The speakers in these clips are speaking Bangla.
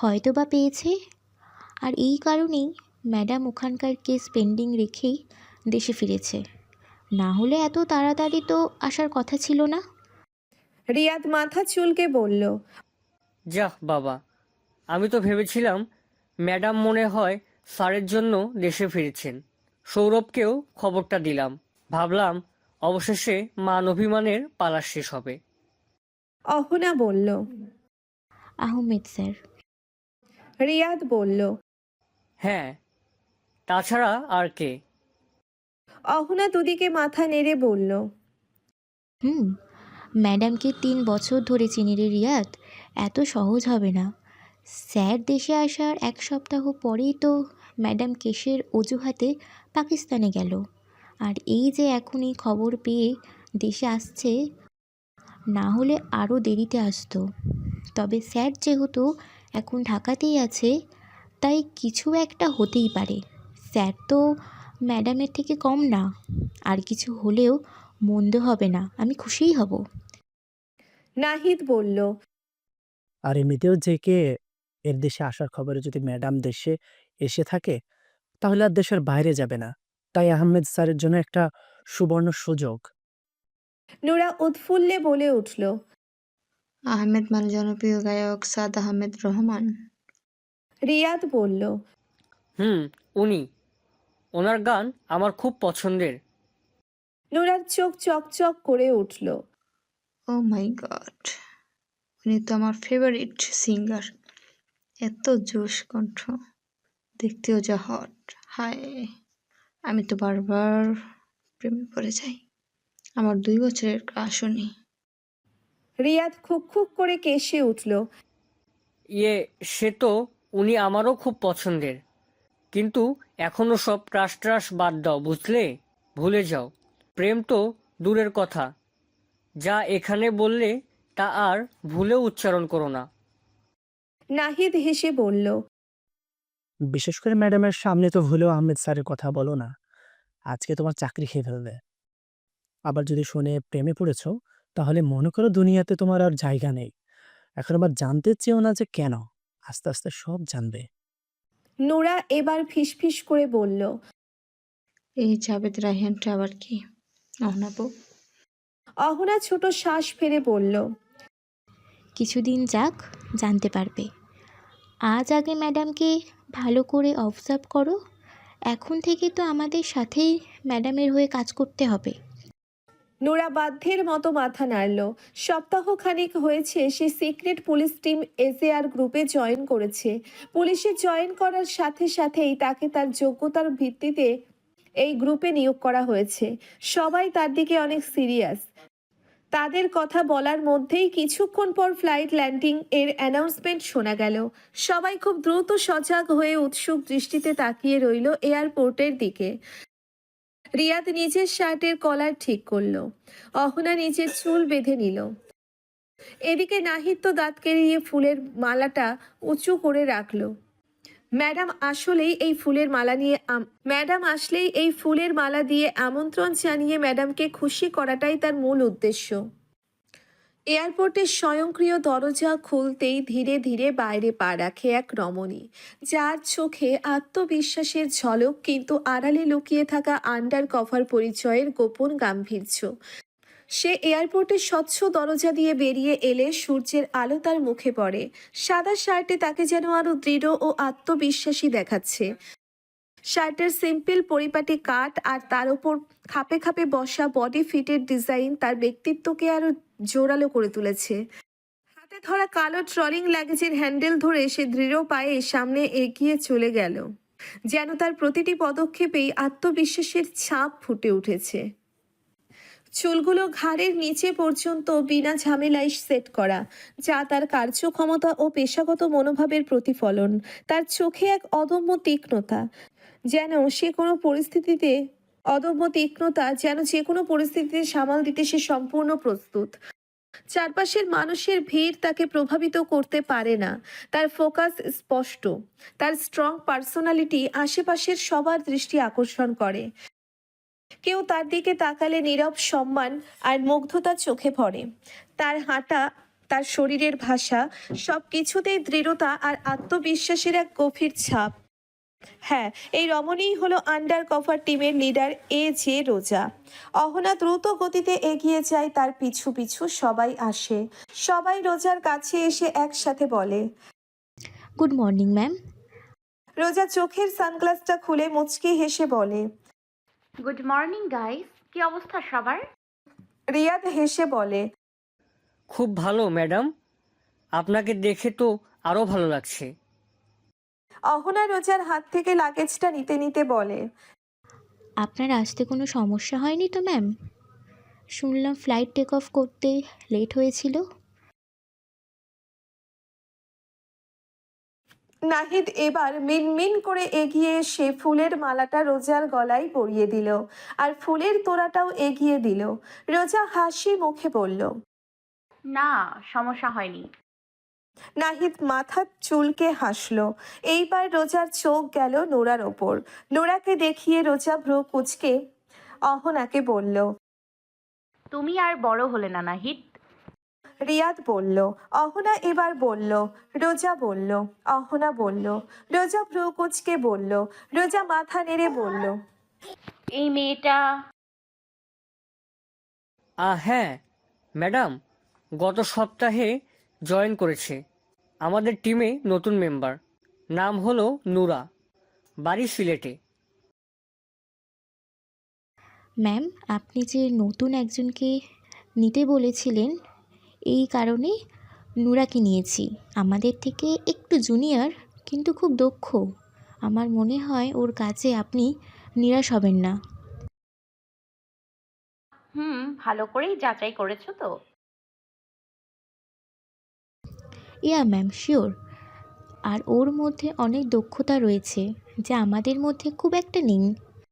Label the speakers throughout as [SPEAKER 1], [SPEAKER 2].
[SPEAKER 1] হয়তো বা পেয়েছে। আর এই কারণেই ম্যাডাম ওখানকার কেস পেন্ডিং রেখেই দেশে ফিরেছে, না হলে এত তাড়াতাড়ি তো আসার কথা ছিল না।
[SPEAKER 2] রিয়াদ মাথা চুলকে বলল,
[SPEAKER 3] যাহ বাবা, আমি তো ভেবেছিলাম ম্যাডাম মনে হয় স্যারের জন্য দেশে ফিরেছেন। সৌরভকেও খবরটা দিলাম, ভাবলাম অবশেষে মান অভিমানের পালা শেষ হবে।
[SPEAKER 2] অহনা বলল।
[SPEAKER 1] আহমেদ স্যার।
[SPEAKER 2] রিয়াদ বলল।
[SPEAKER 3] হ্যাঁ, তাছাড়া আর কে?
[SPEAKER 2] অহনা দুদিকে মাথা নেড়ে বলল,
[SPEAKER 1] ম্যাডামকে 3 বছর ধরে চিনি রে রিয়াদ, এত সহজ হবে না। স্যার দেশে আসার 1 সপ্তাহ পরেই তো ম্যাডাম কেসের অজুহাতে পাকিস্তানে গেল। আর এই যে এখনই খবর পেয়ে দেশে আসছে, না হলে আরও দেরিতে আসতো। তবে স্যার যেহেতু এখন ঢাকাতেই আছে, তাই কিছু একটা হতেই পারে। স্যার তো ম্যাডামের থেকে কম না, আর কিছু হলেও মন্দ হবে না, আমি খুশিই হব।
[SPEAKER 2] নাহিদ বলল।
[SPEAKER 4] আর এমনিতেও যে কে এর দেশে আসার খবরে যদি ম্যাডাম দেশে এসে থাকে, তাহলে আর দেশের বাইরে যাবে না। তাই আহমেদ স্যারের জন্য একটা সুবর্ণ সুযোগ।
[SPEAKER 2] নুরা উৎফুল্লে বলে উঠল,
[SPEAKER 5] আহমেদ মানে জনপ্রিয় গায়ক সাদ আহমেদ রহমান।
[SPEAKER 2] রিয়াদ বলল।
[SPEAKER 3] উনি। ওনার গান আমার খুব পছন্দের।
[SPEAKER 2] নুরার চোখ চকচক করে উঠল।
[SPEAKER 5] ও মাই গড, উনি তো আমার ফেভারিট সিঙ্গার। এত জোশ কণ্ঠ, দেখতেও যা হট। হায়, আমি তো বারবার প্রেমে পড়ে যাই। আমার 2 বছরের ক্রাশ উনি।
[SPEAKER 2] রিয়াদ খুক খুক করে কেশে উঠল।
[SPEAKER 3] সে তো উনি আমারও খুব পছন্দের, কিন্তু এখনো সব ক্রাশ ট্রাশ বাদ দাও, বুঝলে? ভুলে যাও। প্রেম তো দূরের কথা, যা এখানে বললে তা আর ভুলেও উচ্চারণ করো না।
[SPEAKER 2] নাহিদ হেসে বলল,
[SPEAKER 4] বিশেষ করে ম্যাডামের সামনে তো ভুলেও আহমেদ স্যারের কথা বলো না, আজকে তোমার চাকরি খেয়ে ফেলবে। আবার যদি শুনে প্রেমে পড়েছো, তাহলে মনে করো দুনিয়াতে তোমার আর জায়গা নেই। এখন আবার জানতে চেও না যে কেন, আস্তে আস্তে সব জানবে।
[SPEAKER 2] নুরা এবার ফিসফিস করে বলল,
[SPEAKER 5] এই জাভেদ রায়হানটা আবার কি? অহনাপু।
[SPEAKER 2] অহনা ছোট শ্বাস ফেলে বলল,
[SPEAKER 1] কিছুদিন যাক, জানতে পারবে। আজ আগে ম্যাডামকে ভালো করে অবজার্ভ করো। এখন থেকে তো আমাদের সাথেই ম্যাডামের হয়ে কাজ করতে হবে।
[SPEAKER 2] নোরা বাধ্যের মতো মাথা নাড়ল। সপ্তাহখানেক হয়েছে সে সিক্রেট পুলিশ টিম এসএআর গ্রুপে জয়েন করেছে। পুলিশে জয়েন করার সাথে সাথেই তাকে তার যোগ্যতার ভিত্তিতে এই গ্রুপে নিয়োগ করা হয়েছে। সবাই তার দিকে অনেক সিরিয়াস। তাদের কথা বলার মধ্যেই কিছুক্ষণ পর ফ্লাইট ল্যান্ডিং এর অ্যানাউন্সমেন্ট শোনা গেল। সবাই খুব দ্রুত সজাগ হয়ে উৎসুক দৃষ্টিতে তাকিয়ে রইল এয়ারপোর্টের দিকে। রিয়াদ নিজের শার্টের কলার ঠিক করলো। অহনা নিজের চুল বেঁধে নিল। এদিকে নাহিদ তো দাঁত কেলিয়ে ফুলের মালাটা উঁচু করে রাখলো। ম্যাডাম আসলেই এই ফুলের মালা দিয়ে আমন্ত্রণ জানিয়ে ম্যাডামকে খুশি করাটাই তার মূল উদ্দেশ্য। এয়ারপোর্টের স্বয়ংক্রিয় দরজা খুলতেই ধীরে ধীরে বাইরে পা রাখে এক রমণী, যার চোখে আত্মবিশ্বাসের ঝলক, কিন্তু আড়ালে লুকিয়ে থাকা আন্ডার কভার পরিচয়ের গোপন গাম্ভীর্য। সে এয়ারপোর্টের স্বচ্ছ দরজা দিয়ে বেরিয়ে এলে সূর্যের আলো তার মুখে পড়ে। সাদা শার্টে তাকে যেন আরো দৃঢ় ও আত্মবিশ্বাসী দেখাচ্ছে। শার্টের সিম্পল পরিপাটি কাট আর তার উপর খাপে খাপে বসা বডি ফিটের ডিজাইন তার ব্যক্তিত্বকে আরো জোরালো করে তুলেছে। হাতে ধরা কালো ট্রলিং লাগেজের হ্যান্ডেল ধরে সে দৃঢ় পায়ে সামনে এগিয়ে চলে গেল, যেন তার প্রতিটি পদক্ষেপেই আত্মবিশ্বাসের ছাপ ফুটে উঠেছে। চুলগুলো ঘাড়ের নিচে পর্যন্ত বিনা ঝামেলায় সেট করা, যা তার কার্যক্ষমতা ও পেশাগত মনোভাবের প্রতিফলন। তার চোখে এক অদম্য তীক্ষ্ণতা, যেন যে কোনো পরিস্থিতিতে সামাল দিতে সে সম্পূর্ণ প্রস্তুত। চারপাশের মানুষের ভিড় তাকে প্রভাবিত করতে পারে না। তার ফোকাস স্পষ্ট। তার স্ট্রং পার্সোনালিটি আশেপাশের সবার দৃষ্টি আকর্ষণ করে। কেউ তার দিকে তাকালে নীরব সম্মান আর মুগ্ধতা চোখে পড়ে। তার হাঁটা তার শরীরের ভাষা, সব কিছুতেই দৃঢ়তা আর আত্মবিশ্বাসের এক গভীর ছাপ। হ্যাঁ, এই রমণীই হলো আন্ডার কভার টিমের লিডার জে রোজা। অহনা দ্রুত গতিতে এগিয়ে যায়, তার পিছু পিছু সবাই আসে। সবাই রোজার কাছে এসে একসাথে বলে।
[SPEAKER 1] Good morning ma'am.
[SPEAKER 2] রোজা চোখের সানগ্লাসটা খুলে মুচকি হেসে বলে।
[SPEAKER 6] গুড মর্নিং গাইস, কি অবস্থা সবার?
[SPEAKER 2] রিয়াদ হেসে বলে।
[SPEAKER 3] খুব ভালো ম্যাডাম, আপনাকে দেখে তো আরও ভালো লাগছে।
[SPEAKER 2] অহনা রোজার হাত থেকে লাগেজটা নিতে নিতে বলে।
[SPEAKER 1] আপনার আসতে কোনো সমস্যা হয়নি তো ম্যাম? শুনলাম ফ্লাইট টেক অফ করতে লেট হয়েছিল।
[SPEAKER 2] নাহিদ এবার মিনমিন করে এগিয়ে এসে ফুলের মালাটা রোজার গলায় পরিয়ে দিল, আর ফুলের তোড়াটাও এগিয়ে দিল। রোজা হাসি মুখে বলল।
[SPEAKER 6] না, সমস্যা হয়নি।
[SPEAKER 2] নাহিদ মাথার চুলকে হাসলো। এইবার রোজার চোখ গেল নোরার ওপর। নোরাকে দেখিয়ে রোজা ভ্রু কুঁচকে অহনাকে বলল।
[SPEAKER 6] তুমি আর বড় হলে না নাহিদ।
[SPEAKER 2] রিয়াদ বলল। অহনা এবার বলল। রোজা বলল। অহনা বলল। রোজা ভ্রু কুঁচকে বলল। রোজা মাথা নেড়ে বলল।
[SPEAKER 6] এই মেয়েটা
[SPEAKER 3] হ্যাঁ ম্যাডাম, গত সপ্তাহে জয়েন করেছে আমাদের টিমে, নতুন মেম্বার। নাম হলো নুরা, বাড়ি সিলেটে।
[SPEAKER 1] ম্যাম, আপনি যে নতুন একজনকে নিতে বলেছিলেন, এই কারণে নুরাকে নিয়েছি। আমাদের থেকে একটু জুনিয়র, কিন্তু খুব দক্ষ। আমার মনে হয় ওর কাজে আপনি নিরাশ হবেন না।
[SPEAKER 6] ভালো করেই যাচাই করেছো তো?
[SPEAKER 1] ইয়া ম্যাম, শিওর। আর ওর মধ্যে অনেক দক্ষতা রয়েছে, যা আমাদের মধ্যে খুব একটা নেই।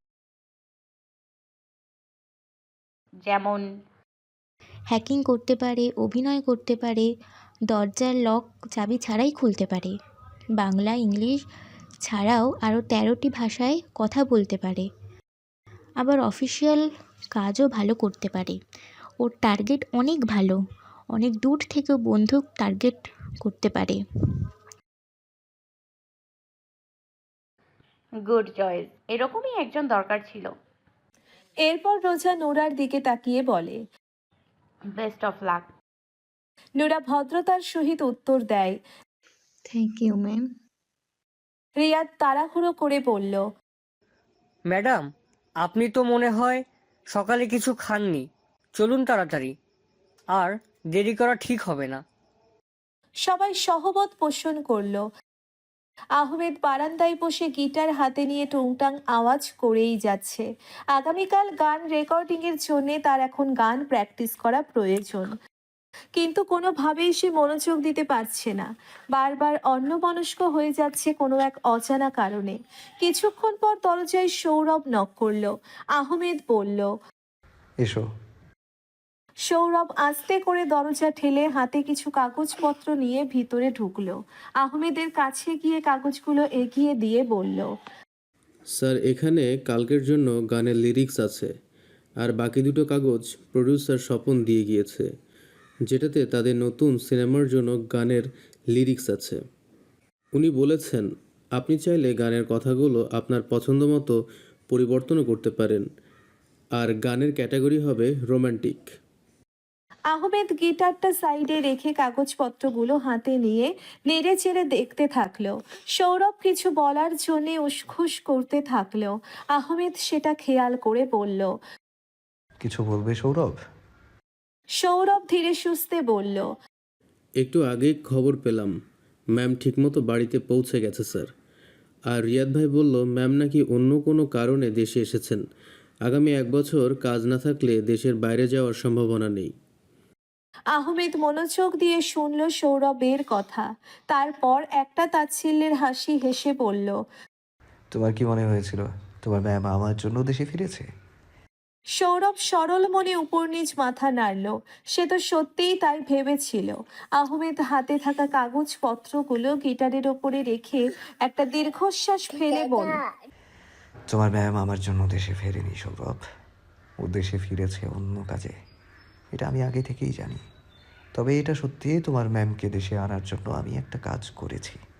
[SPEAKER 6] যেমন?
[SPEAKER 1] হ্যাকিং করতে পারে, অভিনয় করতে পারে, দরজার লক চাবি ছাড়াই খুলতে পারে, বাংলা ইংলিশ ছাড়াও আরও 13টি ভাষায় কথা বলতে পারে, আবার অফিসিয়াল কাজও ভালো করতে পারে। ওর টার্গেট অনেক ভালো, অনেক দূর থেকেও বন্দুক টার্গেট করতে পারে।
[SPEAKER 6] গুড চয়েস, এরকমই একজন দরকার ছিল।
[SPEAKER 2] এরপর রোজা নোরার দিকে তাকিয়ে বলে।
[SPEAKER 6] Best of luck.
[SPEAKER 2] নোরা ভদ্রতার সহিত উত্তর দেয়।
[SPEAKER 5] Thank you ma'am.
[SPEAKER 2] রিয়াদ তাড়াহুড়ো করে বলল।
[SPEAKER 3] ম্যাডাম, আপনি তো মনে হয় সকালে কিছু খাননি, চলুন তাড়াতাড়ি, আর দেরি করা ঠিক হবে না।
[SPEAKER 2] সবাই সহমত পোষণ করল। আহমেদ বারান্দায় বসে গিটার হাতে নিয়ে টুংটাং আওয়াজ করেই যাচ্ছে। আগামীকাল গান রেকর্ডিংয়ের জন্য তার এখন গান প্র্যাকটিস করা প্রয়োজন, কিন্তু কোনোভাবেই সে মনোযোগ দিতে পারছে না। বারবার অন্যমনস্ক হয়ে যাচ্ছে কোনো এক অজানা কারণে। কিছুক্ষণ পর দরজায় সৌরভ নক করলো। আহমেদ বলল।
[SPEAKER 7] এসো।
[SPEAKER 2] সৌরভ আস্তে করে দরজা ঠেলে হাতে কিছু কাগজপত্র নিয়ে ভিতরে ঢুকলো। আহমেদের কাছে গিয়ে কাগজগুলো এগিয়ে দিয়ে বলল।
[SPEAKER 8] স্যার, এখানে কালকের জন্য গানের লিরিক্স আছে, আর বাকি দুটো কাগজ প্রডিউসার স্বপন দিয়ে গিয়েছে, যেটাতে তাদের নতুন সিনেমার জন্য গানের লিরিক্স আছে। উনি বলেছেন আপনি চাইলে গানের কথাগুলো আপনার পছন্দ মতো পরিবর্তনও করতে পারেন, আর গানের ক্যাটাগরি হবে রোমান্টিক।
[SPEAKER 2] আহমেদ গিটারটা সাইডে রেখে কাগজপত্রগুলো হাতে নিয়ে নেড়ে চেড়ে দেখতে থাকলো। সৌরভ কিছু বলার জন্য উসখুস করতে থাকলো। আহমেদ সেটা খেয়াল করে বলল।
[SPEAKER 7] কিছু বলবে সৌরভ?
[SPEAKER 2] সৌরভ ধীরে সুস্থে বলল।
[SPEAKER 8] একটু আগেই খবর পেলাম ম্যাম ঠিকমতো বাড়িতে পৌঁছে গেছে স্যার। আর রিয়াদ ভাই বলল ম্যাম নাকি অন্য কোনো কারণে দেশে এসেছেন। আগামী 1 বছর কাজ না থাকলে দেশের বাইরে যাওয়ার সম্ভাবনা নেই।
[SPEAKER 2] আহমেদ মনোযোগ দিয়ে শুনল সৌরভের কথা। তারপর একটা তাচ্ছিল্যের হাসি হেসে বলল।
[SPEAKER 7] তোমার কি মনে হয়েছিল তোমার ম্যাম আমার জন্য দেশে ফিরেছে?
[SPEAKER 2] সৌরভ সরল মনে উপর নিচ মাথা নাড়ল। সে তো সত্যিই তাই ভেবেছিল। আহমেদ হাতে থাকা কাগজপত্রগুলো গিটারের ওপরে রেখে একটা দীর্ঘশ্বাস ফেলে বলল।
[SPEAKER 7] তোমার ম্যাম আমার জন্য দেশে ফেরেনি সৌরভ, ও দেশে ফিরেছে অন্য কাজে। এটা আমি আগে থেকেই জানি। তবে এটা সত্যি, তোমার ম্যামকে দেশে আনার জন্য আমি একটা কাজ করেছি।